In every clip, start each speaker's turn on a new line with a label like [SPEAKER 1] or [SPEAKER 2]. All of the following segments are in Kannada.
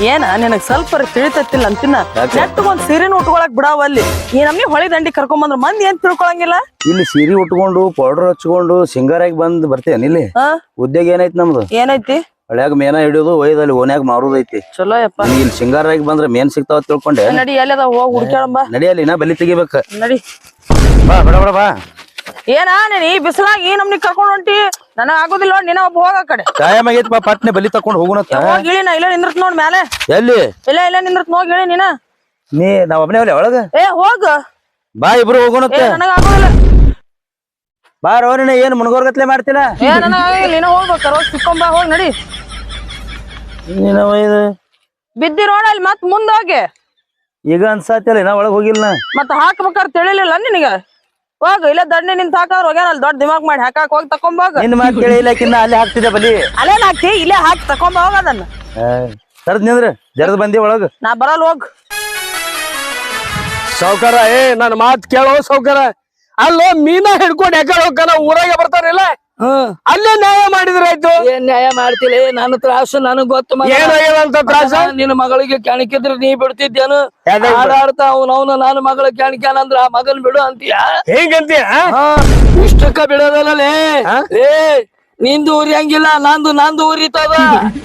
[SPEAKER 1] ಏನ ನಿನಗ್ ಸ್ವಲ್ಪ ತಿಳಿತತ್ತಿಲ್ಲ ಅಂತಿನ ನೆಟ್ಟಗೊಂದ್ ಸೀರೆನ ಉಟ್ಕೊಳಕ್ ಬಿಡಾವ ಅಲ್ಲಿ ಈ ನಮ್ನಿ ಹೊಳಿ ದಂಡಿ ಕರ್ಕೊಂಡ್ ಮಂದಿ ಏನ್ ತಿಳ್ಕೊಳಂಗಿಲ್ಲ.
[SPEAKER 2] ಇಲ್ಲಿ ಸೀರೆ ಉಟ್ಕೊಂಡು ಪೌಡರ್ ಹಚ್ಕೊಂಡು ಸಿಂಗಾರಾಗಿ ಬಂದ್ ಬರ್ತೇನೆ ಇಲ್ಲಿ. ಉದ್ಯೋಗ ಏನೈತಿ ನಮ್ದು?
[SPEAKER 1] ಏನೈತಿ?
[SPEAKER 2] ಹಳ್ಯಾಗ ಮೇನ ಹಿಡಿಯೋದು ಒಯ್ದಲ್ಲಿ ಓನ್ಯಾಗ ಮಾರುದೈತಿ.
[SPEAKER 1] ಚಲೋ ಯಪ್ಪ.
[SPEAKER 2] ಇಲ್ಲಿ ಸಿಂಗಾರಾಗಿ ಬಂದ್ರ ಮೇನ್ ಸಿಗ್ತಾವ ತಿಳ್ಕೊಂಡೆ.
[SPEAKER 1] ನಡಿ ಎಲ್ಲದ ಹೋಗಿ ಹುಡ್ಕ್ಯಾಳಂಬ.
[SPEAKER 2] ನಡಿಯಲ್ಲಿ ನಾ ಬಲಿ ತೆಗಿಬೇಕ.
[SPEAKER 1] ನಡಿ
[SPEAKER 2] ಬಾ ಬಡ ಬಡ ಬಾ.
[SPEAKER 1] ಏನ ನೀನ್ ಈ ಬಿಸಿಲಾಗ ಈ ನಮ್ನಿ ಕರ್ಕೊಂಡ್ ಹೊಂಟಿ? ನನಗ್ ಆಗುದಿಲ್ಲ, ನೀನ ಒಬ್ಬ ಹೋಗ ಆ ಕಡೆ.
[SPEAKER 2] ಟೈಮ್ ಆಗೈತಿ ಬಾ, ಪಟ್ನೆ ಬಲಿ ತಕೊಂಡ್ ಹೋಗುಣತ್ತ.
[SPEAKER 1] ಹೋಗಿ ಇಳಿ, ನಾ ಇಲ್ಲ ನಿಂದ್ರತ್ ನೋಡ್ ಮ್ಯಾಲೆ.
[SPEAKER 2] ಎಲ್ಲಿ?
[SPEAKER 1] ಇಲ್ಲ ನಿಂದ್ರತ್ ನೋಗಿ ಇಳಿ ನೀನ.
[SPEAKER 2] ನಾವ್ ಒಬ್ಬನೇ ಹೋಗ್ಲಿ ಒಳಗ?
[SPEAKER 1] ಹೋಗ
[SPEAKER 2] ಬಾ, ಇಬ್ರು ಹೋಗುಣತ್ತ.
[SPEAKER 1] ನನಗ್ ಆಗುದಿಲ್ಲ.
[SPEAKER 2] ಬಾ ರೋನಿನ ಏನ್ ಮುನ್ಗೋರ್ಗತ್ಲೆ ಮಾಡ್ತಿಲ್ಲ?
[SPEAKER 1] ನನಗ್ ಆಗಿಲ್ಲ, ನೀನ ಹೋಗ್ಬೇಕ. ರೋಜ್ ಸಿಕ್ಕೊಂಬ, ಹೋಗಿ ನಡಿ. ಬಿದ್ದಿ ರೋಡ ಅಲ್ಲಿ ಮತ್ ಮುಂದ ಹೋಗಿ.
[SPEAKER 2] ಈಗ ಅನ್ಸಾತಿಲ್ಲ, ನಾ ಒಳಗ್ ಹೋಗಿಲ್ಲ.
[SPEAKER 1] ಮತ್ ಹಾಕ್ಬೇಕಾರ ತಿಳಿಲಿಲ್ಲ ನಿನಗ? ಹೋಗ, ಇಲ್ಲ ದಂಡಿ ನಿಂತ ಹಾಕಾದ್ರ ಹೋಗ್ಯಾನ ಅಲ್ಲಿ ದೊಡ್ಡ ದಿಮಾಗ್ ಮಾಡಿ ಹಾಕಾಕ್ ಹೋಗಿ ತಕೊಂಬೋಗ.
[SPEAKER 2] ನಿನ್ ಮಾತ್ ಕೇಳಿಲ್ಲಕಿನ್ನ ಅಲ್ಲೇ ಹಾಕ್ತಿದ್ದೆ ಬಲಿ.
[SPEAKER 1] ಅಲ್ಲೇನ್ ಹಾಕ್ತಿ? ಇಲ್ಲೇ ಹಾಕಿ ತಕೊಂಬ ಹೋಗ ಅದನ್ನ.
[SPEAKER 2] ಸರ್ದ್ ನಿಂದ್ರ ಜರ್ದ್ ಬಂದಿ ಒಳಗ.
[SPEAKER 1] ನಾ ಬರಲ್ ಹೋಗ್.
[SPEAKER 3] ಸೌಕರ ನನ್ ಮಾತ್ ಕೇಳೋ ಸೌಕರ. ಅಲ್ಲೋ ಮೀನಾ ಹಿಡ್ಕೊಂಡ್ ಯಾಕಡೆ ಹೋಗ್ತಾನ? ಊರಾಗೆ ಬರ್ತಾರಿಲ್ಲ, ಅಲ್ಲೇ ನ್ಯಾಯ ಮಾಡಿದ್ರ ಆಯ್ತು.
[SPEAKER 4] ಏನ್ ನ್ಯಾಯ ಮಾಡ್ತಿಲ್ಲ? ನನ್ನ ತ್ರಾಸು ನನಗ್ ಗೊತ್ತು.
[SPEAKER 3] ಏನಾಗ್ಯದಂತ ತ್ರಾಸ?
[SPEAKER 4] ನಿನ್ನ ಮಗಳಿಗೆ ಕೆಣಕಿದ್ರೆ ನೀ ಬಿಡ್ತಿದ್ದೇನು? ಆಡಾಡ್ತಾ ಅವನವನು ನನ್ನ ಮಗಳ ಕೆಣಕ್ಯಾನಂದ್ರ ಆ ಮಗನ್ ಬಿಡು ಅಂತೀಯ?
[SPEAKER 3] ಹೇಗಂತೀಯ?
[SPEAKER 4] ಇಷ್ಟಕ್ಕ ಬಿಡೋದಲ್ಲೇ. ನಿಂದು ಉರಿಯಂಗಿಲ್ಲ, ನಂದು ಉರಿತದ.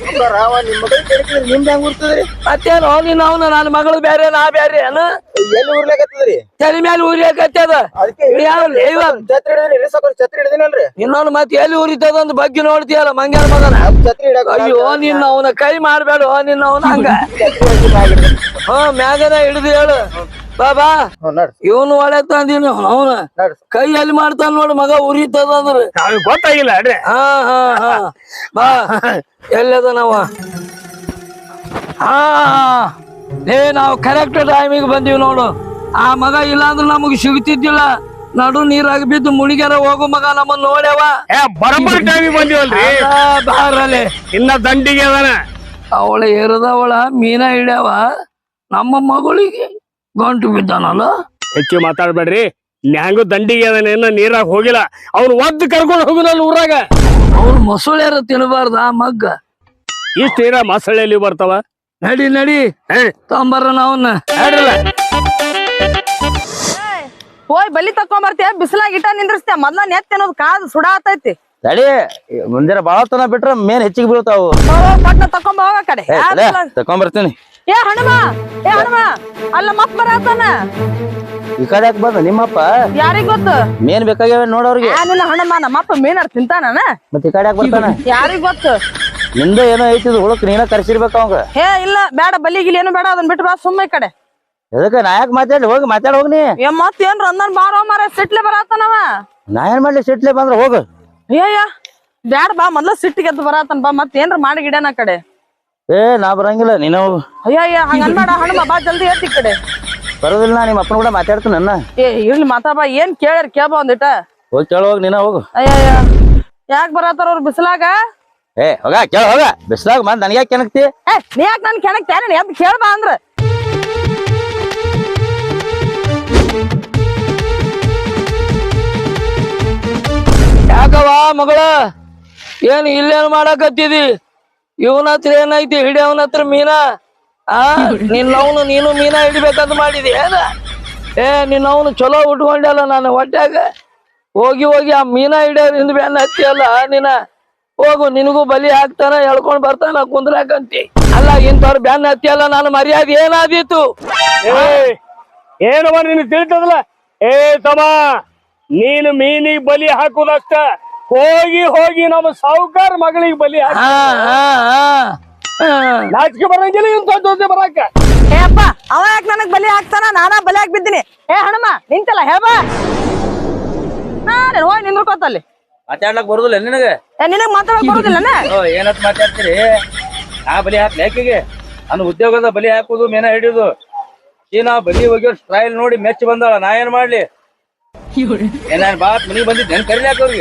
[SPEAKER 4] ಮತ್ತೇನು ನಿನ್ನ ಅವನು ನನ್ನ ಮಗಳು ಬ್ಯಾರೆ ನಾ ಬ್ಯಾರೆ ಅನು?
[SPEAKER 2] ಎಲ್ಲಿ ಉರ್ಲಾಕತ್ತದ್ರಿ?
[SPEAKER 4] ತಲೆ ಮೇಲೆ ಉರಿಯಕತ್ತದ. ಇನ್ನೊಂದು ಮತ್ತೆ ಎಲ್ಲಿ ಉರಿತದ ಅಂತ ಬಗ್ಗೆ ನೋಡ್ತೀಯಲ್ಲ ಮಂಗ್ಯಾನ ಮಗನ. ಅಯ್ಯೋ ನಿನ್ನ ಅವನ ಕೈ ಮಾಡ್ಬೇಡ, ನಿನ್ನ ಅವನ ಹಂಗ. ಮ್ಯಾಗನ ಹಿಡಿದು ಹೇಳು ಬಾಬಾ. ಇವನು ಒಳ್ಳೆ ತಂದಿನ ಅವನ ಕೈ ಎಲ್ಲಿ ಮಾಡ್ತಾನ ನೋಡು ಮಗ, ಉರಿತದ ಅಂದ್ರೆ
[SPEAKER 3] ಗೊತ್ತಾಗಿಲ್ಲ.
[SPEAKER 4] ಬಾ, ಎಲ್ಲದ ನಾವ? ನಾವು ಕರೆಕ್ಟ್ ಟೈಮಿಗೆ ಬಂದೀವಿ ನೋಡು. ಆ ಮಗ ಇಲ್ಲಾಂದ್ರೆ ನಮಗ್ ಸಿಗ್ತಿದ್ದಿಲ್ಲ. ನಡು ನೀರಾಗ ಬಿದ್ದು ಮುಣಿಗ್ಯಾರ ಹೋಗು ಮಗ ನಮ್ಮನ್ನ ನೋಡ್ಯಾವ.
[SPEAKER 3] ಬರಬರ್ ಟೈಮಿಗೆ ಬಂದಿವಲ್ರಿ.
[SPEAKER 4] ಬಾರಲ್ಲಿ
[SPEAKER 3] ಇನ್ನ ದಂಡಿಗೆ ಅದಾನ.
[SPEAKER 4] ಅವಳ ಏರದವಳ ಮೀನ ಹಿಡ್ಯಾವ, ನಮ್ಮ ಮಗಳಿಗೆ ಗಂಟು ಬಿದ್ದಾನಲ್ಲ.
[SPEAKER 3] ಹೆಚ್ಚು ಮಾತಾಡ್ಬೇಡ್ರಿ. ನ್ಯಾಂಗು ದಂಡಿಗೆ ಅದಾನ, ಇನ್ನ ನೀರಾಗ ಹೋಗಿಲ್ಲ. ಅವ್ನು ಒದ್ದು ಕರ್ಕೊಂಡು ಹೋಗುನಲ್ಲ ಊರಾಗ.
[SPEAKER 4] ಅವ್ನು ಮೊಸಳೆರ ತಿನ್ನಬಾರ್ದ ಮಗ್ಗ.
[SPEAKER 3] ಇಷ್ಟ ನೀರ ಮಸಳೆಯಲ್ಲಿ ಬರ್ತಾವ.
[SPEAKER 4] ನಡಿ ತೊಂಬರ್ರ ನಾವನ್ನ.
[SPEAKER 1] ಹೋಯ್ ಬಲಿ ತಕೊಂಬರ್ತೀಯ? ಬಿಸಿಲಾಗ ಇಟ್ಟ ನಿಂದ್ರಸ್ತೀಯ? ಮೊದ್ಲ ನೆತ್ತ ಅನ್ನೋದು ಕಾದು ಸುಡಾತೈತಿ.
[SPEAKER 2] ತಡಿ, ಮುಂಜಾನೆ ಬಾಳ ತನ ಬಿಟ್ರ ಮೇನ್ ಹೆಚ್ಚಿಗೆ ಬೀಳ್ತಾವು.
[SPEAKER 1] ಪಟ್ನ ತಕೊಂಬ ಹೋಗ ಕಡೆ.
[SPEAKER 2] ತಕೊಂಬರ್ತೀನಿ.
[SPEAKER 1] ಹನುಮ ಅಲ್ಲ ಮತ್ ಬರತಾನ.
[SPEAKER 2] ಈ ಕಡೆ ಯಾಕೆ ಬಂದ ನಿಮ್ಮಪ್ಪ?
[SPEAKER 1] ಯಾರಿಗ್ ಗೊತ್ತು?
[SPEAKER 2] ಮೇನ್ ಬೇಕಾಗ್ಯಾವ ನೋಡವ್ರಿಗೆ.
[SPEAKER 1] ನಿನ್ನ ಹಣಮ ನಮ್ಮಪ್ಪ ಮೀನಾರ್ ತಿಂತಾನ.
[SPEAKER 2] ಮತ್ತೆ ಈ ಕಡೆ ಯಾಕೆ ಬರ್ತಾನ?
[SPEAKER 1] ಯಾರಿಗ್ ಗೊತ್ತು?
[SPEAKER 2] ನಿಂದ ಏನೋ ಐತಿದ್ ಹುಳಕ್ ನೀನ ಕರ್ಸಿರ್ಬೇಕ ಅವಂಗ.
[SPEAKER 1] ಇಲ್ಲ ಬೇಡ, ಬಲಿಗಿಲಿ ಏನು ಬೇಡ, ಅದನ್ನ ಬಿಟ್ಟು ಬಾ ಸುಮ್ಮ ಈ ಕಡೆ.
[SPEAKER 2] ಎದಕ್ಕ ನಾ ಯಾಕೆ ಮಾತಾಡ್ಲಿ? ಹೋಗಿ ಮಾತಾಡ್ ಹೋಗ್ನಿ.
[SPEAKER 1] ಮತ್ ಏನ್ರ ಅಂದನ್ ಬಾರೋ ಮಾರ ಸಿಟ್ಲೆ ಬರತಾನವ.
[SPEAKER 2] ನಾ ಏನ್ ಮಾಡ್ಲಿ? ಸಿಟ್ಲೆ ಬಂದ್ರ ಹೋಗ.
[SPEAKER 1] ಬ್ಯಾಡ ಬಾ, ಮೊದ್ಲ ಸಿಟ್ಟಿಗೆ ಎದ್ದು ಬರತಾನ ಬಾ. ಮತ್ ಏನ್ರ ಮಾಡಿ ಗಿಡನ ಕಡೆ.
[SPEAKER 2] ನಾ ಬರಂಗಿಲ್ಲ, ನೀನ ಹೋಗು.
[SPEAKER 1] ಹಂಗ ಅನ್ಬೇಡ ಹನುಮ, ಬಾ ಜಲ್ದಿ ಎತ್ತಿ ಕಡೆ.
[SPEAKER 2] ಬರೋದಿಲ್ಲ, ನಾ ನಿಮ್ಮ ಅಪ್ಪನ ಕೂಡ ಮಾತಾಡ್ತೀನಿ. ನನ್ನ
[SPEAKER 1] ಇರ್ಲಿ ಮಾತಾಬಾ. ಏನ್ ಕೇಳ್ಯಾರ ಕೇಳ್ಬಾ ಒಂದಿಟ.
[SPEAKER 2] ಹೋಗಿ ಕೇಳ ಹೋಗಿ, ನೀನ ಹೋಗು.
[SPEAKER 1] ಯಾಕೆ ಬರತಾರ ಅವ್ರು ಬಿಸಿಲಾಗ?
[SPEAKER 2] ಹೋಗ ಕೇಳ ಹೋಗ. ಬಿಸ್ಲಾಗ ಬಂದ್ ನನ್ಗೆ ಯಾಕೆ ಕೆಣಕ್ತಿ?
[SPEAKER 1] ನೀ ಯಾಕೆ ನನ್ ಕೆಣಕ್ತೇನೆ? ಎದ್ ಕೇಳ್ಬಾ ಅಂದ್ರ.
[SPEAKER 4] ಯಾಕವ ಮಗಳ, ಏನ್ ಇಲ್ಲೇನ್ ಮಾಡಕತ್ತಿದಿ? ಇವನ ಹತ್ರ ಏನೈತಿ? ಹಿಡಿಯವನ ಹತ್ರ ಮೀನಾ? ನಿನ್ನವನು ನೀನು ಮೀನಾ ಹಿಡಿಬೇಕಂತ ಮಾಡಿದಿ ಏನ? ನಿನ್ನವನು ಚಲೋ ಉಟ್ಕೊಂಡಲ್ಲ ನಾನು ಹೊಟ್ಯಾಗ. ಹೋಗಿ ಆ ಮೀನಾ ಹಿಡಿಯೋದ್ರಿಂದ ಬೆನ್ನ ಹತ್ತಿಯಲ್ಲ ನೀನ. ಹೋಗು, ನಿನಗೂ ಬಲಿ ಹಾಕ್ತಾನ, ಎಳ್ಕೊಂಡ್ ಬರ್ತಾನ ಕುಂದ್ರಾಕಂತಿ. ಅಲ್ಲ ಇಂಥವ್ರ ಬೆನ್ನ ಹತ್ತಿಯಲ್ಲ, ನಾನು ಮರ್ಯಾದೆ ಏನಾದೀತು?
[SPEAKER 3] ಏನವ ನೀನು ತಿಳಿತದಲ್ಲ? ತಮ್ಮ, ನೀನು ಮೀನಿಗೆ ಬಲಿ ಹಾಕುದಷ್ಟ. ಹೋಗಿ ನಮ್ಮ ಸಾವುಕಾರ ಮಗಳಿಗೆ ಬಲಿ ಹಾಕ. ನಾಚಿಕೆ ಬರಂಗಿಲ್ಲ ಇಂಥ ದೋಸೆ ಬರಾಕ.
[SPEAKER 1] ಅಪ್ಪ, ಅವ ಯಾಕೆ ನನಗ್ ಬಲಿ ಹಾಕ್ತಾನ? ನಾನಾ ಬಲಿ ಹಾಕಿ ಬಿದ್ದೀನಿ. ಹನುಮ ನಿಂತಲ್ಲ, ಹೇಳ್ಬಾ. ಹೋಗಿ ನಿಂದ್ರಕೋತಲ್ಲಿ.
[SPEAKER 2] ಮಾತಾಡ್ಲಕ್ ಬರುದಿಲ್ಲ ನಿನಗೆ?
[SPEAKER 1] ನಿನಗ್ ಮಾತಾಡಕ್ ಬರುದಿಲ್ಲ?
[SPEAKER 2] ಏನತ್ ಮಾತಾಡ್ತೀರಿ? ನಾ ಬಲಿ ಹಾಕ್ಲಿ ಯಾಕೆಗೆ? ನನ್ನ ಉದ್ಯೋಗದ ಬಲಿ ಹಾಕುದು, ಮೇನ ಹಿಡಿಯುದು. ನಾ ಬಲಿ ಹೋಗಿ ಸ್ಟೈಲ್ ನೋಡಿ ಮೆಚ್ಚ ಬಂದಾಳ. ನಾ ಏನ್ ಮಾಡ್ಲಿ? ಏನ್ ಬಾತ್ ಮನಿಗ್ ಬಂದಿದ್ ನೆನ್ ಕರಿಲಿ ಹಾಕೋರ್ಗೆ.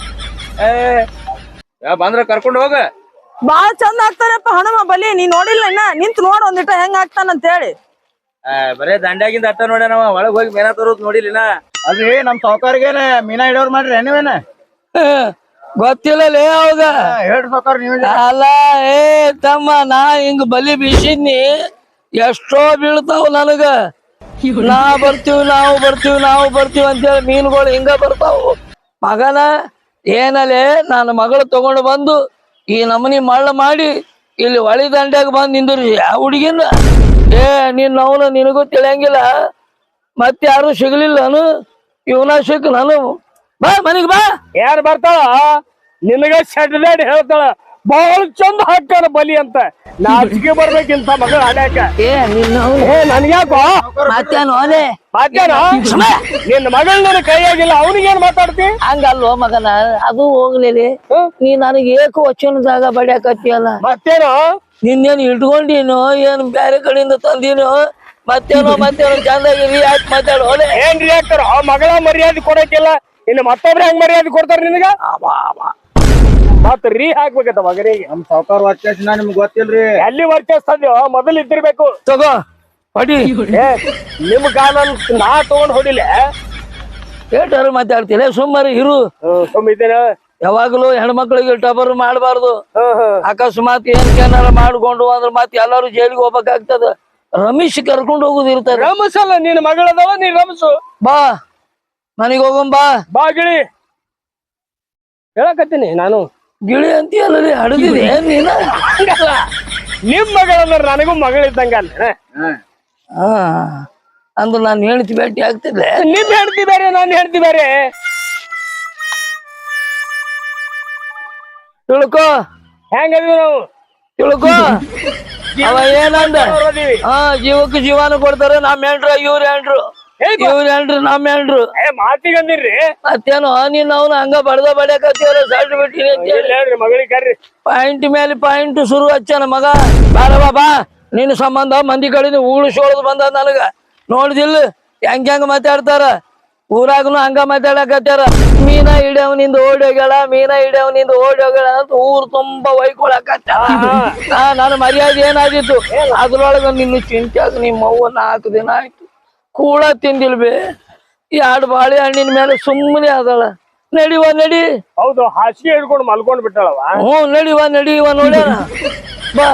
[SPEAKER 2] ಬಂದ್ರ ಕರ್ಕೊಂಡ್ ಹೋಗ.
[SPEAKER 1] ಬಾಳ ಚಂದ ಆಗ್ತಾರಪ್ಪ ಹನುಮ ಬಲಿ. ನೀ ನೋಡಿಲ್ಲ ಇನ್ನ? ನಿಂತ್ ನೋಡ್ ಒಂದಿಟ ಹೆಂಗ್ ಆಗ್ತಾನಂತ ಹೇಳಿ.
[SPEAKER 2] ಬರೇ ದಂಡ್ಯಾಗಿಂದ ಅಟ್ಟ ನೋಡ್ಯ ನಾವ. ಒಳಗ್ ಹೋಗಿ ಮೇನ ತರೋದ್ ನೋಡಿಲಿನ. ಅಲ್ರಿ ನಮ್ ಸಾವುಕಾರಿಗೇನ ಮೀನಾ ಹಿಡಿಯೋರ್ ಮಾಡ್ರಿ ನೀವೇನ?
[SPEAKER 4] ಗೊತ್ತಿಲ್ಲಲೇ ಅವಾಗ
[SPEAKER 2] ಹೇಳ್ರಿ ಸಾವ್ಕಾರ ನೀವ್
[SPEAKER 4] ಅಲ್ಲ ಏ ತಮ್ಮ ನಾ ಹಿಂಗ್ ಬಲಿ ಬೀಸಿದ್ನಿ ಎಷ್ಟೋ ಬೀಳ್ತಾವ ನನಗ ನಾವು ಬರ್ತೀವಿ ಅಂತೇಳಿ ಮೀನುಗಳು ಹಿಂಗ ಬರ್ತಾವು ಮಗನ ಏನಲ್ಲೇ ನನ್ನ ಮಗಳು ತಗೊಂಡು ಬಂದು ಈ ನಮನಿ ಮಳ್ಳ ಮಾಡಿ ಇಲ್ಲಿ ಹೊಳಿ ದಂಡ್ಯಾಗ ಬಂದು ನಿಂದ್ರಿ ಯಾವ ಹುಡುಗಿನ ಏ ಅವನು ನಿನಗೂ ತಿಳಿಯಂಗಿಲ್ಲ ಮತ್ತೆ ಯಾರು ಸಿಗ್ಲಿಲ್ಲನು ಇವನ ಸಿಕ್ ನಾನು ಬಾ ಮನಿಗ್ ಬಾ
[SPEAKER 3] ಯಾರು ಬರ್ತಾಳ ನಿನಗ ಶೆಡ್ದಾಡಿ ಹೇಳ್ತಾಳ ಬಹಳ ಚಂದ ಹಾಕ್ತಾರ ಬಲಿ ಅಂತ ನಾಚಿಕೆ ಬರ್ಬೇಕಿಂತ ಮಗಳು ಹಾಡ್ಯಾಕ
[SPEAKER 4] ಏ
[SPEAKER 3] ಏ ನನ್ಗ್ಯಾಕೋ
[SPEAKER 4] ಮತ್ತೇನು ಓಲೆ
[SPEAKER 3] ಮಾತೇನ ನಿನ್ನ ಮಗಳ ನನ್ನ ಕೈಯಾಗಿಲ್ಲ ಅವನಿಗೇನ್ ಮಾತಾಡ್ತಿ
[SPEAKER 4] ಹಂಗಲ್ವ ಮಗನ ಅದು ಹೋಗ್ಲಿ ನೀ ನನಗೆ ಏಕ ವಚನದಾಗ ಬಡಿಯಾಕತ್ತಿಯಲ್ಲ
[SPEAKER 3] ಮತ್ತೇನು
[SPEAKER 4] ನಿನ್ನೇನು ಇಟ್ಕೊಂಡಿನೋ ಏನ್ ಬ್ಯಾರೆ ಕಡೆಯಿಂದ ತಂದಿನೋ ಮತ್ತೇನೋ ಚಂದಾಗಿರಿ ಯಾಕೆ ಮಾತಾಡು ಓಲೆ
[SPEAKER 3] ಏನ್ ರಿಯಾಕ್ಟರ್ ಆ ಮಗಳ ಮರ್ಯಾದೆ ಕೊಡಕ್ಕಿಲ್ಲ ಇನ್ನು ಮತ್ತೊಬ್ರು ಹೆಂಗ್ ಮರ್ಯಾದೆ ಕೊಡ್ತಾರ ನಿನಗ ಮತ್ ರೀ ಹಾಕ್ಬೇಕತ್ತ ಮಗನಿಗೆ
[SPEAKER 2] ನಮ್ ಸಾವ್ಕಾರ ವರ್ಚಸ್ಸಿನ ನಿಮ್ಗ್ ಗೊತ್ತಿಲ್ರಿ
[SPEAKER 3] ಎಲ್ಲಿ ವರ್ಚಸ್ತದ್ಯೋ ಮೊದಲು ಇದ್ದಿರ್ಬೇಕು
[SPEAKER 4] ತಗೋ ಹೊಡಿ
[SPEAKER 3] ಏ ನಿಮ್ ಕಾಲ ನಾ ತಗೊಂಡ್ ಹೊಡಿಲೆ
[SPEAKER 4] ಏಟಾರು ಮಾತಾಡ್ತೀರ ಸುಮ್ಮನೆ ಇರು
[SPEAKER 3] ಸುಮ್ಮಿದ್ದೇನ
[SPEAKER 4] ಯಾವಾಗ್ಲೂ ಹೆಣ್ಮಕ್ಳಿಗೆ ಟಬರ್ ಮಾಡಬಾರ್ದು ಅಕಸ್ಮಾತ್ ಏನಾರ ಮಾಡ್ಕೊಂಡು ಅಂದ್ರ ಮತ್ತೆ ಎಲ್ಲಾರು ಜೈಲಿಗೆ ಹೋಗ್ಬೇಕಾಗ್ತದ ರಮೇಶ್ ಕರ್ಕೊಂಡು ಹೋಗುದು ಇರ್ತದ
[SPEAKER 3] ರಮಸಲ್ಲ ನಿನ್ ಮಗಳದವ ನೀ ರಮಸು
[SPEAKER 4] ಬಾ ಮನೆಗೆ ಹೋಗಂ ಬಾ
[SPEAKER 3] ಬಾ ಗಿಳಿ ಹೇಳಕತ್ತೀನಿ ನಾನು
[SPEAKER 4] ಗಿಳಿ ಅಂತೀಯಲ್ಲ ಹಡದಿದೆ ನೀನ
[SPEAKER 3] ಹಂಗಲ್ಲ ನಿಮ್ ಮಗಳಂದ್ರ ನನಗೂ ಮಗಳಿದ್ದಂಗ ಅಲ್ಲ
[SPEAKER 4] ಹಾ ಅಂದ್ರ ನಾನು ಹೇಳ್ತಿ ಭೇಟಿ ಆಗ್ತಿದ್ದೆ
[SPEAKER 3] ನಿಮ್ ಹೇಳ್ತಿ ಬೇರೆ ನಾನು ಹೇಳ್ತಿ ಬೇರೆ
[SPEAKER 4] ತಿಳ್ಕೊ
[SPEAKER 3] ಹೆಂಗದೀವಿ ನಾವು
[SPEAKER 4] ತಿಳ್ಕೊ ಅವ ಏನಂದ ಹಾ ಜೀವಕ್ಕೆ ಜೀವಾನು ಕೊಡ್ತಾರೆ ನಮ್ ಹೆಂಡ್ರು ಇವ್ರ ಹೆಂಡ್ರು ನಮ್ ಹೆಂಡ್ರು
[SPEAKER 3] ಏ ಮಾತಿಗಂದಿರ್ರಿ
[SPEAKER 4] ಮತ್ತೇನು ನೀನ್ ಅವ್ನ ಹಂಗ ಬಡ್ಯಾಕತ್ತೀವಲ್ಲ ಸಲ್ಟ್ ಬಿಟ್ಟಿರಿ ಅಂತ
[SPEAKER 3] ಹೇಳ್ರಿ ಮಗಳಿಗೆ ಕರ್ರಿ
[SPEAKER 4] ಪಾಯಿಂಟ್ ಮೇಲೆ ಪಾಯಿಂಟ್ ಶುರು ಹಚ್ಚನ ಮಗ ಬಾರವಾ ಬಾ ನಿನ್ನ ಸಂಬಂಧ ಮಂದಿ ಕಡೆಯಿಂದ ಉಳಿಸೋಳದ್ ಬಂದ ನನಗ ನೋಡಿದಿಲ್ಲ ಹೆಂಗ್ ಮಾತಾಡ್ತಾರ ಊರಾಗನು ಹಂಗ ಮಾತಾಡಕತ್ತಾರ ಮೀನ ಹಿಡಿಯವನಿಂದ ಓಡಿ ಹೋಗ್ಯಾಳ ಅಂತ ಊರ್ ತುಂಬಾ ಒಯ್ಕೊಳಕತ್ತಾರ ನನ್ನ ಮರ್ಯಾದೆ ಏನಾದಿತ್ತು ಅದ್ರೊಳಗ ನಿನ್ನ ಚಿಂತ್ಯಾಗ ನಿಮ್ಮ ಅವ್ವ 4 ದಿನ ಆಯ್ತು ಕೂಳ ತಿಂದಿಲ್ಬೇ 2 ಬಾಳೆ ಹಣ್ಣಿನ ಮೇಲೆ ಸುಮ್ಮನೆ ಅದಳ ನಡಿ
[SPEAKER 3] ಹೌದು ಹಾಸಿಗೆ ಹಿಡ್ಕೊಂಡು ಮಲ್ಕೊಂಡ್ ಬಿಟ್ಟಾಳವ
[SPEAKER 4] ನಡಿವ ನೋಡ್ಯಾರ ಬಾ